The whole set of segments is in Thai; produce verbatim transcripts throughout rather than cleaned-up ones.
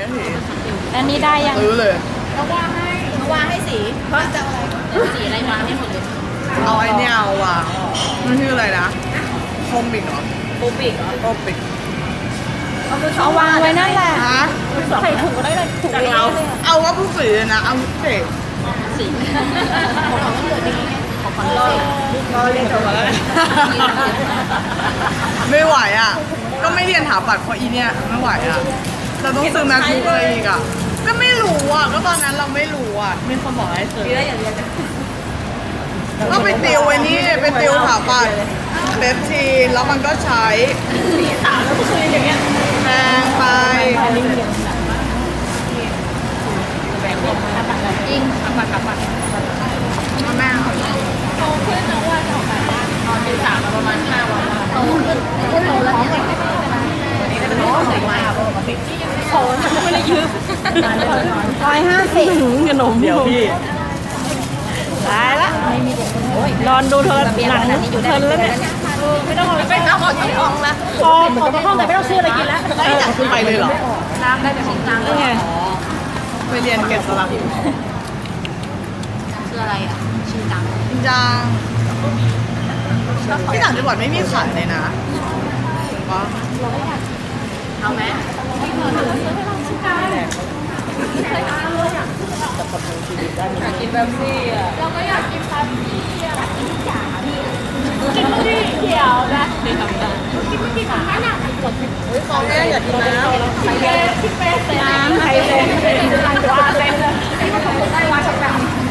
อันนี้ได้ยังซื้อเลยเราวางให้เราวางให้สีเพราะจะอะไรสีอะไรวางให้หมดเลยเอาไอ้เนี่ยเอาว่ะมันชื่ออะไรนะโคมิกเหรอปูปิกเหรอโคมิกเอาวางไว้นั่นแหละฮะใส่ถุงก็ได้เลยถุงเดียวเอาว่าผู้สีเลยนะเอาเด็กสีของเขาเหลือดีของฟันลอยก็เรียนจบมาแล้วไม่ไหวอ่ะ ก็ไม่เรียนถาปัดเพราะอีเนี่ยไม่ไหวอ่ะเราต้องซื้อแมคบุ๊กอะไรอีกอ่ะก็ไม่รู้อ่ะก็ตอนนั้นเราไม่รู้อ่ะมีคนบอกให้ซื้อดีแล้วอย่างเดียวจะก็ไปติวไอ้นี่ไปติวถาปัดเบปทีนแล้วมันก็ใช้สีสามแล้วก็คืออย่างเงี้ยแพงไปจริงทำบัตรทำบัตรแม่เอาโตขึ้นนะว่าจะออกแบบว่าตอนตีสามมาประมาณห้าวันโตขึ้นขึ้นโตแล้วเนี่ยวันนี้ก็จะเป็นของใส่ไม้อะปกติโตมันก็ไม่ได้ยืมร้อยห้าสิบขนมเดี๋ยวพี่ตายละนอนดูเธอหนังเพลินแล้วเนี่ยไม่ต้องไปน้ำออกจากห้องแล้วพอออกจากห้องแต่ไม่ต้องซื้ออะไรกินแล้วไม่อยากขึ้นไปเลยเหรอน้ำได้แต่ของกลางนี่ไงไปเรียนเก็บสลักอยู่คืออะไรอ่ะชื่อดังจริงจังที่ต่างจังหวัดไม่มีขายเลยนะว่าเอาไหมอยากกินแบบซี่อ่ะเราก็อยากกินคาเฟ่อะกินจ๋าพี่กินไม่ได้เขียวนะไม่ทำได้กินไม่ได้ของขนาดไหนกดเฮ้ยของแม่อยากกินน้ำพี่เป้พี่เป้เซ็นน้ำไข่เค็มว่าเซ็นเลยได้ว่าสักแบบ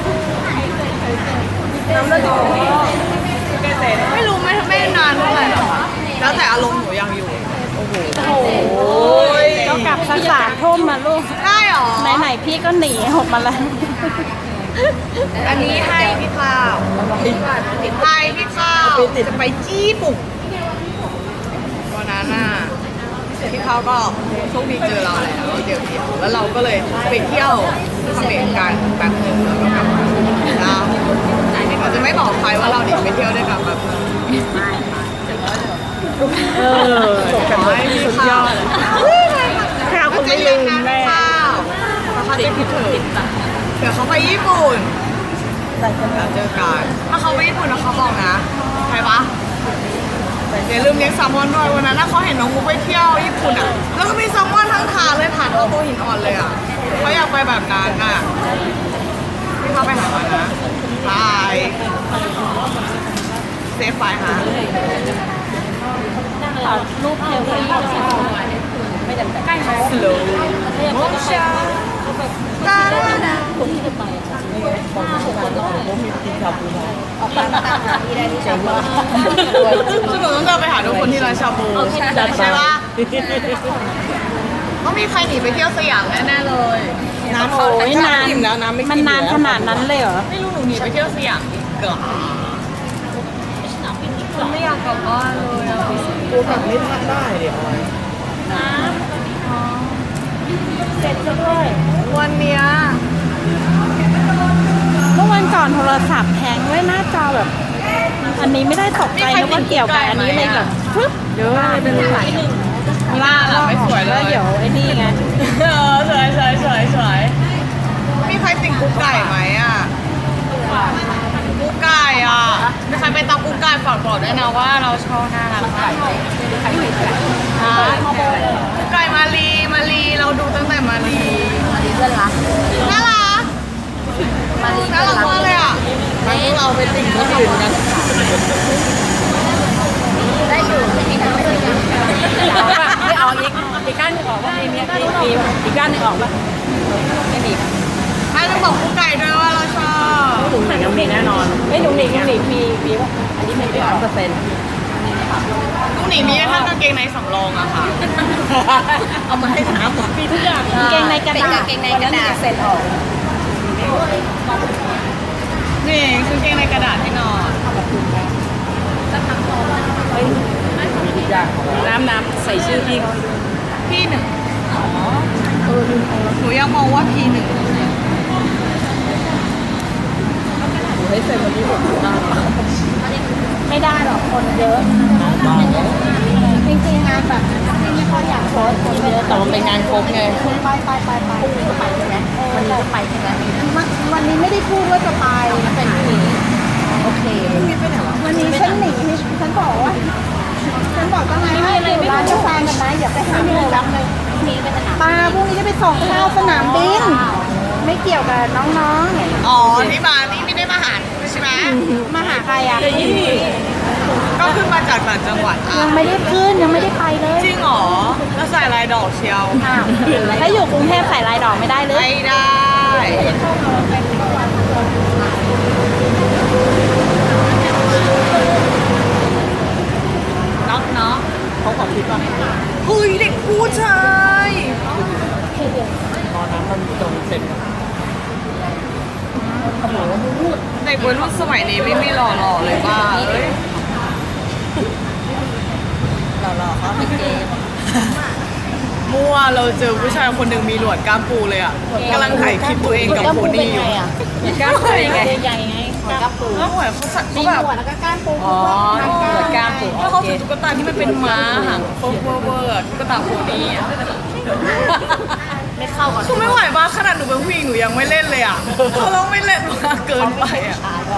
น้ำเลือดอยู่ไม่รู้ไม่ไม่นานเท่าไหร่หรอกค่ะแล้วแต่อารมณ์หนูยังอยู่โอ้ยก็กลับสักสามทุ่มมาลูกได้หรอไหนๆพี่ก็หนีหกมาแล้วอันนี้ให้พี่ข้าวให้พี่ข้าวจะไปจี้ปุ่งวันนั้นน่ะพี่ข้าวก็โชคดีเจอเราแล้วเดี๋ยวเดียวแล้วเราก็เลยไปเที่ยวเขมรกันแป๊บนึงแล้วก็กลับมาแล้วเราจะไม่บอกใครว่าเราหนีไปเที่ยวด้วยกันแบบนึงเออขอให้พี่ข้าวข้าวคุณไม่ลืมแม่ข้าวเขาจะคิดถึงเดี๋ยวเขาไปญี่ปุ่นแล้วเจอกันถ้าเขาไปญี่ปุ่นแล้วเขาบอกนะใครปะอย่าลืมเลี้ยงแซลมอนด้วยวันนั้นนะเขาเห็นน้องมุกไปเที่ยวญี่ปุ่นอ่ะแล้วก็มีแซลมอนทั้งถาดเลยผ่านเอาตัวหินอ่อนเลยอ่ะเขาอยากไปแบบนั้นอ่ะพี่เขาไปหามานะบายเซฟไฟหารูปเทลที่ไม่จำเป็นใกล้ไหมสโลว์โมชั่นตาดาดาคนที่จะไปผมมีกินชาบูมาออกมาตามหาที่ได้ที่ชอบว่าซึ่งหนูต้องเดินไปหาทุกคนที่ร้านชาบูใช่ปะต้องมีใครหนีไปเที่ยวสยามแน่ๆเลยน้ำโอ้ยนานอิ่มแล้วน้ำไม่กินมันนานขนาดนั้นเลยเหรอไม่รู้หนูหนีไปเที่ยวสยามเกือบไม่อยากกลับบ้านเลยอ่ะกูแบบไม่ทันได้เดี๋ยวเสร็จแล้วด้วยวันเนี้ยเมื่อวันก่อนโทรศัพท์แพงด้วยหน้าจอแบบ อันนี้ไม่ได้ตกใจนึกว่าเกี่ยวกับอันนี้เลยแบบฟึ๊บเยอะเลยเป็นหลายล่าหลับไม่สวยเลแล้วยเดี๋ยวไอ้นี่ไงเออสวยสวยสวยสวยมีใครติ่งกุ๊กไก่ไหมอ่ะกุ๊กไก่อ่ะมีใครไปตามกุ๊กไก่ฝากบอกด้วยนะว่าเราชอบน่ารักมากกุ๊กไก่มาลีมาลีเราดูตั้งแต่มาลีมาดีเพื่อนรักน่ารักมาดีน่าเพื่อนรักรักมากเลยอ่ะมันพวกเราไปติ่งคนอื่นกันได้อยู่ไม่มีการไม่มีการไม่ออกอีกอีกก้านหนึ่งออกว่ามีมีมีอีกก้านหนึ่งออกป่ะไม่มีให้เราบอกกุ๊กไก่ด้วยว่าเราชอบหนุ่มหนิงมีแน่นอนไม่หนุ่มหนิงหนุ่มหนิงมีมีว่าอันนี้มันไม่ร้อยเปอร์เซ็นต์ลูกหนีมีแค่กางเกงในสำรองอะค่ะเอามาให้น้ำมีทุกอย่างเกงในกระดาษเกงในกระดาษเซ็นออกนี่คือกางเกงในกระดาษที่นอนมีทุกอย่างน้ำน้ำใส่ชื่อพี่เขาพี่หนึ่งหนูยังมองว่าพี่หนึ่งให้เซ็นวันนี้หมดได้ไม่ได้หรอกคนเยอะจริงๆงานแบบก็อยากโพสต์คนเยอะแต่มันเป็นงานครบไงไปไปไปไปพรุ่งนี้ก็ไปใช่ไหมวันนี้ก็ไปใช่ไหมวันนี้ไม่ได้พูดว่าจะไปมันเป็นพรุ่งนี้โอเค วันนี้ฉันหนีฉันบอกว่าฉันบอกตั้งไงให้อยู่ร้านกาแฟกันนะอย่าไปหาเงินรับเลยมีไปสนามปลาพรุ่งนี้จะไปส่งข้าวสนามบินไม่เกี่ยวกับน้องๆอ๋อที่มานี่ไม่ได้มาหาใช่ไหมมาหาใครอ่ะก็ขึ้นมาจากต่างจังหวัดอ่ะยังไม่ได้ขึ้นยังไม่ได้ไปเลยจริงเหรอแล้วใส่ลายดอกเชียวอ้าวถ้าอยู่กรุงเทพใส่ลายดอกไม่ได้เลยไม่ได้น็อกเนาะเขาขอคิดว่าเฮ้ยเด็กผู้ชายตอนนั้นมันจงเสร็จเด็กวัยรุ่นสมัยนี้ไม่ไม่หล่อๆเลยป้าเอ้ยหล่อๆเขาเป็นเกมมั่วเราเจอผู้ชายคนหนึ่งมีหนวดกล้ามปูเลยอ่ะกำลังถ่ายคลิปตัวเองกับโพนี่อยู่กล้ามปูยังไงใหญ่ไงหัวกล้ามปูแล้วเหมือนเขาสักมีเขาแบบหัวแล้วก็ก้านปูอ๋อเกิดกล้ามปูแล้วเขาถือตุ๊กตาที่มันเป็นม้าหางโฟเวอร์เวอร์ตุ๊กตาโพนี่อ่ะไม่เข้ากับคือไม่ไหวมากขนาดหนูเป็นผู้หญิงหนูยังไม่เล่นเลยอ่ะเขาต้องไม่เล่นมากเกินไปอ่ะ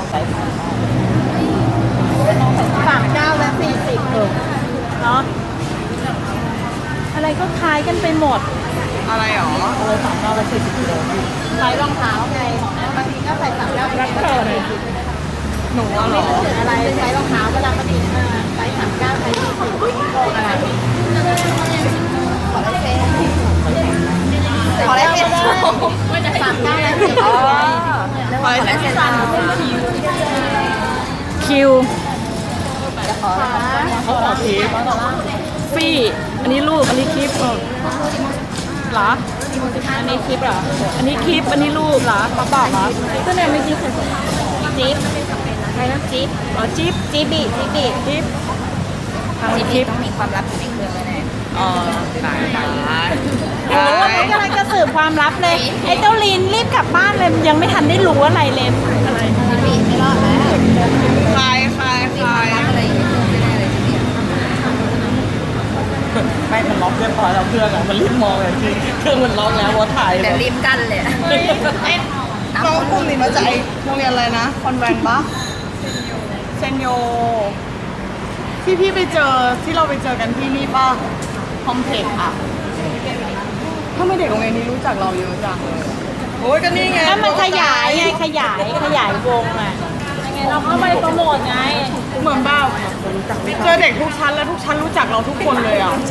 สามเก้าและสี่สิบเออเนาะอะไรก็คล้ายกันไปหมดอะไรหรอเลยสามเก้าไปสี่สิบกิโลใส่รองเท้าไงบางทีก็ใส่สามเก้ารักเธอเลยหนูว่าหรอถึงอะไรใส่รองเท้าเวลาปกติใส่สามเก้าใส่สี่สิบโกงอะไรขอได้เป็นขอได้เป็นสามเก้าและสี่สิบอ๋อไปใส่เสื้อคิวจะขอเขาขอคิดฟี่ อันนี้รูป อันนี้คลิปเออเหรอ อันนี้คลิปเหรอ อันนี้คลิป อันนี้รูปเหรอเขาบอกเหรอก็เนี่ยไม่คลิปเลยจิ๊บใครนะจิ๊บอ๋อจิ๊บจิ๊บบีจิ๊บบีจิ๊บทำคลิปต้องมีความลับอยู่ในเครื่องแน่อ๋อตายตายโอ้ยกำลังจะสืบความลับเลย ไอ้เจ้าลีนรีบกลับบ้านเลย ยังไม่ทันได้รู้อะไรเลยอะไรจิบีไม่รอดแล้วคลายคลายคลายอะไรอย่างเงี้ยไม่ได้เลยจิบีไม่มันล็อกเรียบร้อยแล้วเครื่องอ่ะมันรีบมองเลยจริงเครื่องมันล็อกแล้วว่าถ่ายแต่รีบกั้นเลยเฮ้ยไอ้น้องกลุ่มนี้มาจากไอ้โรงเรียนอะไรนะ คอนแวนต์ปะเซนโย ที่พี่ไปเจอที่เราไปเจอกันที่นี่ป่ะคอมเพล็กซ์อะทำไมเด็กโรงเรียนนี้รู้จักเราเยอะจังเลยโอ้ยก็นี่ไงแล้วมันขยายไง ขยาย ขยายวงอ่ะยังไงเราเข้าไปโปรโมทไงเหมือนแบบเจอเด็กทุกชั้นแล้วทุกชั้นรู้จักเราทุกคนเลยอ่ะ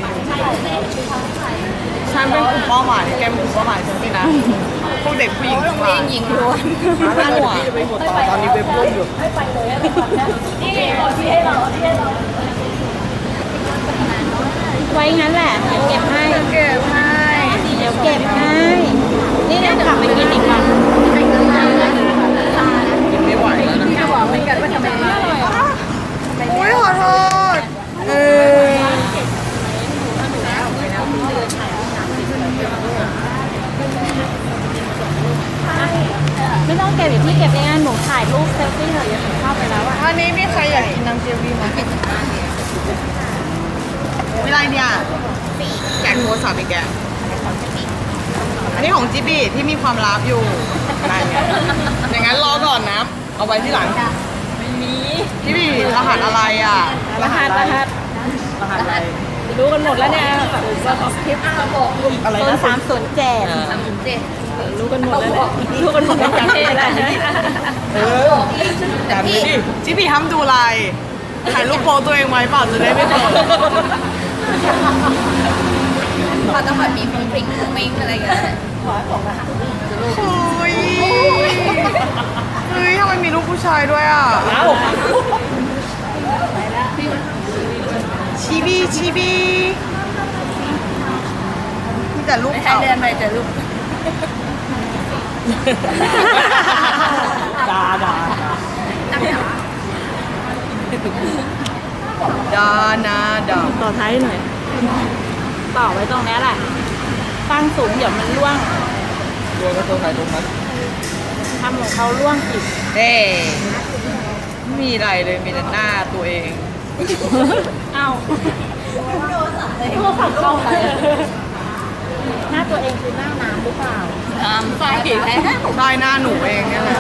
ฉันเป็นกลุ่มเป้าหมายแกเป็นกลุ่มเป้าหมายฉันสินะพวกเด็กผู้หญิงทั้งหลายหญิงล้วนน่าหนวกพี่จะไปหมดต่อตอนนี้เว็บล่มอยู่ไว้งั้นแหละ เดี๋ยวเก็บให้เก็บให้เดี๋ยวเก็บให้ นี่เดี๋ยวกลับไปกินอีกวันกินไม่ไหวแล้วนะจะบอกเหมือนกันว่าทำไมไม่อร่อยโอ้ยขอโทษเออไม่ต้องเก็บเดี๋ยวพี่เก็บเองนะหนูถ่ายรูปเซลฟี่เถอะอย่าหนูเข้าไปแล้วอะอันนี้มีใครอยากกินน้ำเจลบี้ไหมเวลาเนี่ยแกงโทรศัพท์อีกแกอันนี้ของจิบี้ที่มีความลับอยู่นั่นไงอย่างนั้นรอก่อนนะ เอาไว้ที่หลังไม่มีจิบี้รหัสอะไรอ่ะรหัสรหัสรหัสอะไรรู้กันหมดแล้วเนี่ยคลิปอะไรโซนนะสามศูนย์เจ็ดสามถึงเจ็ดรู้กันหมดแล้วเนี่ยรู้กันหมดทั้งประเทศแล้วเออแต่ไม่ดิจิบี้ห้ามดูไลน์ถ่ายรูปโปรตัวเองไว้เปล่าจะได้ไม่เปิดเขาต้องแบบมีฟิงฟิงฟิงอะไรอย่างเงี้ยเฮ้ยเฮ้ยทำไมมีรูปผู้ชายด้วยอ่ะเอ้าชิบีชิบีมีแต่รูปให้เก่าเดินไปเจอลูกด่าด่าดานาดาต่อท้ายหน่อย ต่อไว้ตรงนี้แหละ ตั้งสูงเดี๋ยวมันร่วงโดนกระตัวไหนตรงนั้นทำของเขาร่วงอีกเด้ไม่มีอะไรเลยมีแต่หน้าตัวเองเอ้าโทรศัพท์เข้าไปหน้าตัวเองคือหน้าน้ำหรือเปล่าน้ำใส่แล้วใช่หน้าหนูเองเนี่ยแหละ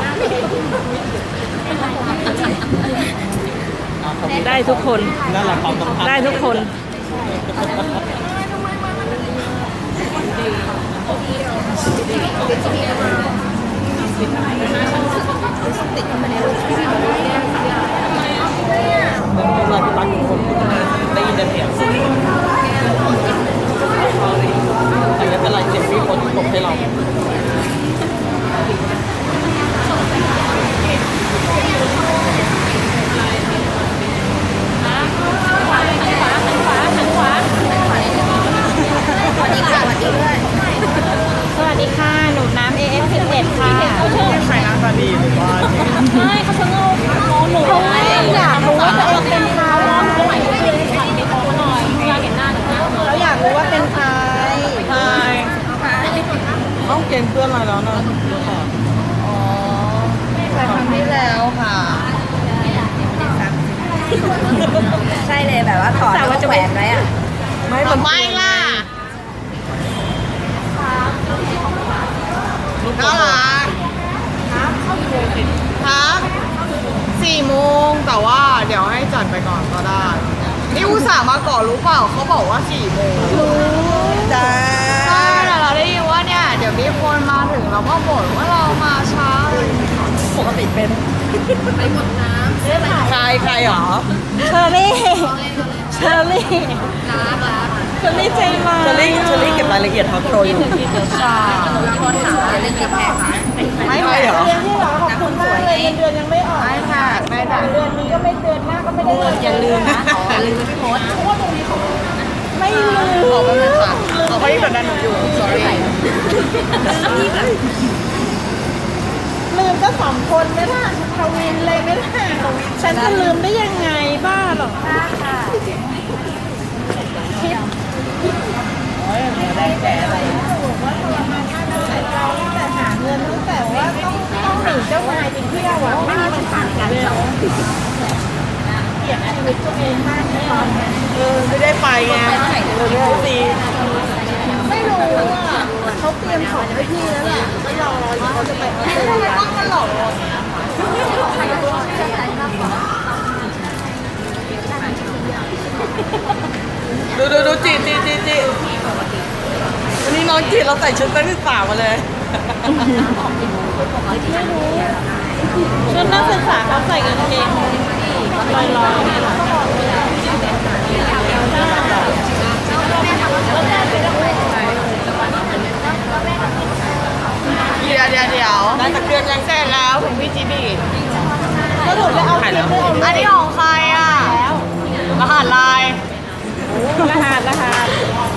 ได้ทุกคนนั่นแหละความสัมพันธ์ได้ทุกคนเราที่รักทุกคนได้ยินแต่เสียงแต่ไม่เป็นไรเสียงมีคนตกให้เราสวัสดีค่ะ หนูน้ำ เอ เอฟ สิบเอ็ด ค่ะใครหน้าตาดีหรือว่าไม่เขาชะโงกมองหนูเลยอยากรู้ว่าตัวเองเป็นใครร้องหนูเลยค่ะมีโตหน่อยอยากเห็นหน้าหนูเราอยากรู้ว่าเป็นใครใช่ต้องเกณฑ์เพื่อนอะไรแล้วนะอ๋อแต่ครั้งที่แล้วค่ะ ใช่เลยแบบว่าถอดแล้วก็แขวนไว้อะไม่ทำไมล่ะน่ารักครับสี่โมงแต่ว่าเดี๋ยวให้จัดไปก่อนก็ได้ นี่อุตส่าห์มาก่อนรู้เปล่าเขาบอกว่าสี่โมงรู้จ้าใช่แต่เราได้ยินว่าเนี่ย เดี๋ยวมีคนมาถึงเราก็บ่นว่าเรามาช้าเลยปกติเป็นไปหมดน้ำใครใครหรอเชอรี่ เชอรี่เชอรี่ใจมาเชอรี่เชอรี่เก็บรายละเอียดทอล์กโชว์อยู่ใช่ไม่ใช่เหรอเรียนที่หรอขอบคุณมากเลยเงินเดือนยังไม่ออกไม่ค่ะไม่ค่ะเดือนนี้ก็ไม่เดือนหน้าก็ไม่ได้เงินอย่าลืมนะอย่าลืมพี่มดไม่ลืมขอบคุณค่ะเอาเขาที่กดดันหนูอยู่ sorry ลืมก็สองคนไม่ล่ะทวินเลยไม่ล่ะฉันจะลืมได้ยังไงบ้าหรอกค่ะแต่หาเงินตั้งแต่ว่าต้องต้องหนีเจ้านายไปเที่ยวอ่ะไม่มีมันผ่านกันหรอกเกลียดชีวิตตัวเองมากเลยเออไม่ได้ไปไงเออไม่ซีไม่รู้อ่ะเขาเตรียมของให้พี่แล้วแหละก็รอเขาจะไปออสเตรเลียมันหลอกดูดูดูจีจีจีจีวันนี้น้องจีเราใส่ชุดนักศึกษามาเลยชุดนักศึกษาเขาใส่กางเกงลอยๆเนี่ยเหรอเดี๋ยวเดี๋ยวเดี๋ยวได้สักเดือนยังเสร็จแล้วถึงพี่จีบีก็ถูกไปเอาถ่ายคลิแล้ปวไปเอาอันนี้ของใครอ่ะรหัสไลน์รหัสรหัส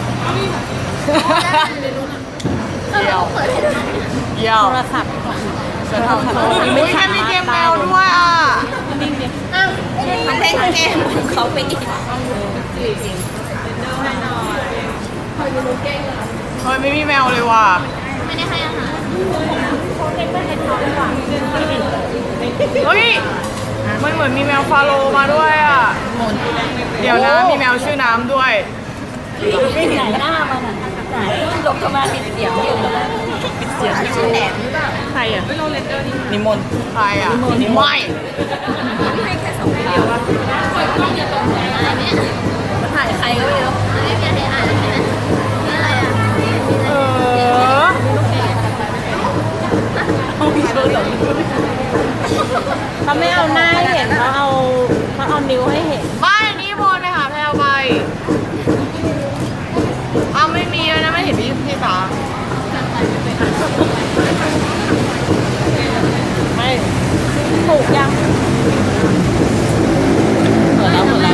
เดี๋ยวเดี๋ยวโทรศัพท์จะทำอุ้ยแค่มีเกมแมวด้วยอ่ะมันเล่นเกมเขาไปอีกเฮ้ยไม่มีแมวเลยว่ะไม่ได้ให้อาหารเฮ้ยมันเหมือนมีแมวฟาโลมาด้วยอ่ะเดี๋ยวนะมีแมวชื่อน้ำด้วยไม่ไหนหน้ามันอ่ะไหนลบเข้ามาปิดเสียงอยู่ปิดเสียงชื่อแหนมหรือเปล่าใครอ่ะนิมนต์ใครอ่ะไม่ถ่ายใครก็ไม่รู้เออเขาไม่เอาหน้าให้เห็นเขาเอาเขาเอานิ้วให้เห็นบ้านนี้พลไปหาแพลวไปอ้าวไม่มีเลยนะไม่เห็นพี่พี่ตาไม่ถูกยังหมดแล้วหมดแล้ว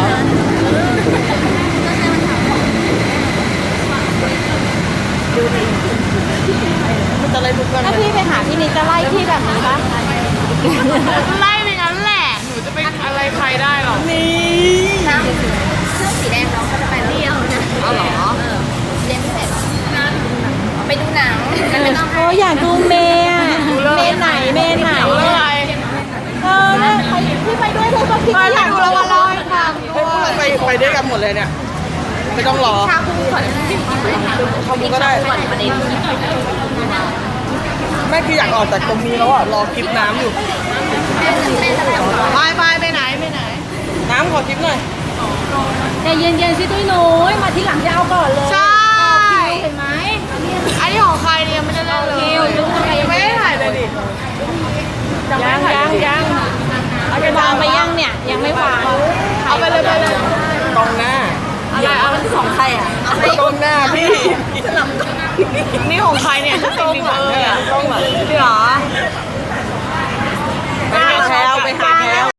มันจะอะไรทุกคนถ้าพี่ไปหาพี่นิดจะไล่พี่แบบนี้ปะไล่ไปงั้นแหละหนูจะไปอะไรใครได้หรอนี่เสื้อสีแดงน้องก็จะไปเที่ยวนะอ๋อเหรอเรียนพิเศษไปดูหนังไม่ต้องโอ้อยากดูเมย์อะเมย์ไหนเมย์ไหนเรื่องอะไรเออเนี่ยใครที่ไปด้วยเธอก็คิดไปว่าอยากดูแล้วมาเล่าให้ฟังให้พวกเราไปไปด้วยกันหมดเลยเนี่ยไไม่ต้องรอชาบูก่อนทำก็ได้ก่อนประเด็นแม่คืออยากออกจากตรงนี้แล้วอ่ะ รอคลิปน้ำอยู่ไปไปไปไหนไปไหนน้ำขอคลิปหน่อยใจเย็นๆสิตุ้ยหนูมาทีหลังจะเอาก่อนเลยใช่เห็นไหมอันนี้ของใครเนี่ยไม่ได้เล่นเลยคิวดูทำไมไม่ได้ถ่ายเลยดิยังยังยังเอาไปวางไปยังเนี่ย ยังไม่วางเอาไปเลยไปเลยกล้องหน้าอะไรเอาเป็นของใครอ่ะกล้องหน้าพี่นี่ของใครเนี่ยกล้องหลังเนี่ยกล้องหลังพี่หรอไปหาแถวไปหาแถว